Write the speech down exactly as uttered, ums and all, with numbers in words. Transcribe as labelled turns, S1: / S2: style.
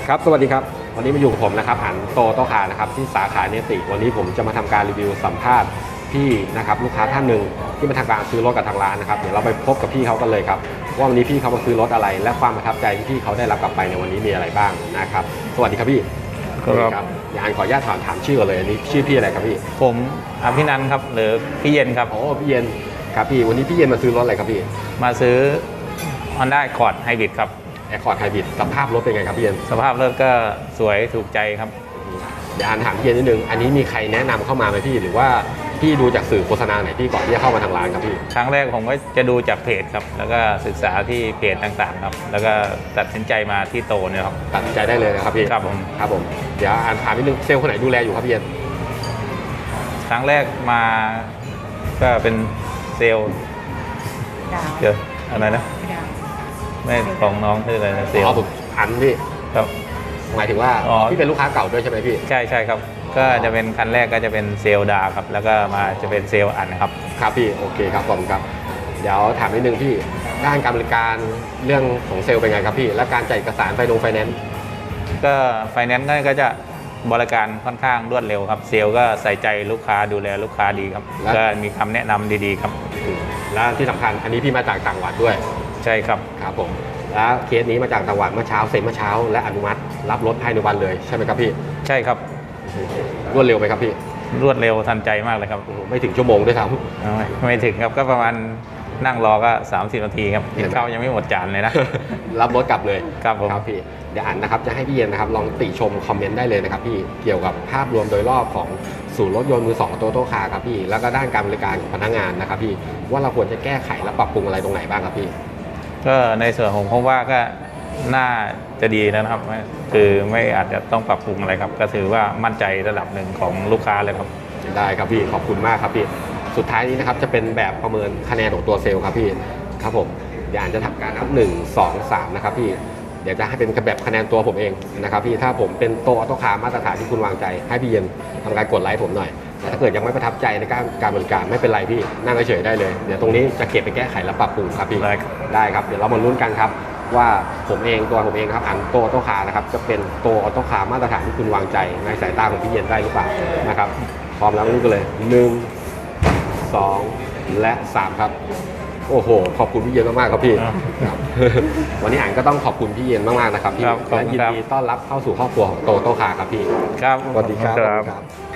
S1: ครับสวัสดีครับวันนี้มาอยู่กับผมนะครับอันโตโตคานะครับที่สาขาเนติวันนี้ผมจะมาทำการรีวิวสัมภาษณ์พี่นะครับลูกค้าท่านหนึ่งที่มาทำการซื้อรถกับทางร้านนะครับเดี๋ยวเราไปพบกับพี่เขากันเลยครับว่าวันนี้พี่เขามาซื้อรถอะไรและความประทับใจที่พี่เขาได้รับกลับไปในวันนี้มีอะไรบ้างนะครับสวัสดีครับพี่
S2: ครับ
S1: อยากขออนุญาตถามถามชื่อก่อนเลยอันนี้ชื่อพี่อะไรครับพี่
S2: ผมอภินันท์ครับหรือพี่เย็นครับ
S1: โอ้พี่เย็นครับพี่วันนี้พี่เย็นมาซื้อรถอะไรครับพี่
S2: มาซื้อ Honda Accord Hybrid ครับ
S1: แอคคอร์ดไฮบริดสภาพรถเป็นไงครับพี่เย็น
S2: สภาพรถก็สวยถูกใจครับ
S1: เดี๋ยวอ่านถามพี่เย็นนิดนึงอันนี้มีใครแนะนำเข้ามาไหมพี่หรือว่าพี่ดูจากสื่อโฆษณาไหนพี่ก่อนที่จะเข้ามาทางร้านครับพี่
S2: ครั้งแรกผมก็จะดูจากเพจครับแล้วก็ศึกษาที่เพจต่างๆครับแล้วก็ตัดสินใจมาที่โตเนี่ยครับ
S1: ตัดสินใจได้เลยนะครับพี่
S2: ครับผม
S1: ครับผมเดี๋ยวอ่านถามนิดนึงเซลล์คนไหนดูแลอยู่ครับพี่เย็น
S2: ครั้งแรกมาก็เป็นเซลล์เดี๋ยวอะไรนะไม่ของน้องคืออะไรนะเซลล์
S1: ผมอันพี่
S2: ครับ
S1: หมายถึงว่าพี่เป็นลูกค้าเก่าด้วยใช่ไหมพี่
S2: ใช่ใช่ครับก็จะเป็นคันแรกก็จะเป็นเซลล์ดาครับแล้วก็มาจะเป็นเซลล์อันนะครับ
S1: ครับพี่โอเคครับผมครับเดี๋ยวถามนิดนึงพี่ด้านการบริการเรื่องของเซลล์เป็นไงครับพี่และการจ่ายเอกสารไฟนงไฟแนนซ์
S2: ก็ไฟแนนซ์ก็จะบริการค่อนข้างรวดเร็วครับเซลล์ก็ใส่ใจลูกค้าดูแลลูกค้าดีครับก็มีคำแนะนำดีๆครับ
S1: และที่สำคัญอันนี้พี่มาจากต่างจังหวัดด้วย
S2: ใช่ครับ
S1: ครับผมแล้วเคสนี้มาจากต่างจังหวัดเมื่อเช้าเซ็นเมื่อเช้าและอนุมัติรับรถภายในวันเลยใช่ไหมครับพี่
S2: ใช่ครับ
S1: รวดเร็วไหมครับพี่
S2: รวดเร็วทันใจมากเลยครับ
S1: ไม่ถึงชั่วโมงด้วยซ้
S2: ำไม่ไม่ถึงครับก็ประมาณนั่งรอก็สามสิบนาทีครับกินข้าวยังไม่หมดจานเลยนะ
S1: รับรถกลับเลย
S2: ครับผม
S1: ครับพี่เดี๋ยวอ่านนะครับจะให้พี่เย็นนะครับลองติชมคอมเมนต์ได้เลยนะครับพี่เกี่ยวกับภาพรวมโดยรอบของศูนย์รถยนต์มือสองโตโต้คาร์ครับพี่แล้วก็ด้านการบริการของพนักงานนะครับพี่ว่าเราควรจะแก้ไขและปรับปรุงอะไรตรงไหนบ้างครับพี่
S2: ก็ในส่วนของผมว่าก็น่าจะดีนะครับคือไม่อาจจะต้องปรับปรุงอะไรครับก็ถือว่ามั่นใจระดับหนึ่งของลูกค้าเลยครับ
S1: ได้ครับพี่ขอบคุณมากครับพี่สุดท้ายนี้นะครับจะเป็นแบบประเมินคะแนนของตัวเซลล์ครับพี่ครับผมเดี๋ยวอ่านจะทำการนับหนึ่งสองสามนะครับพี่เดี๋ยวจะให้เป็นแบบคะแนนตัวผมเองนะครับพี่ถ้าผมเป็นโตออโต้คาร์มาตรฐานที่คุณวางใจให้พี่เย็นทำการกดไลค์ผมหน่อยแต่ถ้าเกิดยังไม่ประทับใจในการการบริการไม่เป็นไรพี่นั่งเฉยๆได้เลยเดี๋ยวตรงนี้จะเก็บไปแก้ไขและปรับปรุงครับพี่ได้ครับเดี๋ยวเรามาลุ้นกันครับว่าผมเองตัวผมเองครับอันโตออโต้คาร์นะครับจะเป็นโตออโต้คาร์มาตรฐานที่คุณวางใจในสายตาของพี่เย็นได้หรือเปล่านะครับพร้อมแล้วลุ้นกันเลยหนึ่งสองและสามครับโอ้โหขอบคุณพี่เย็นมากๆครับพี่วันนี้อ่านก็ต้องขอบคุณพี่เย็นมากๆนะครับพี่และยินดีต้อนรับเข้าสู่ครอบครัวของโตโต้คาร์ครับพี่
S2: ครับ
S1: สวัสดีครับ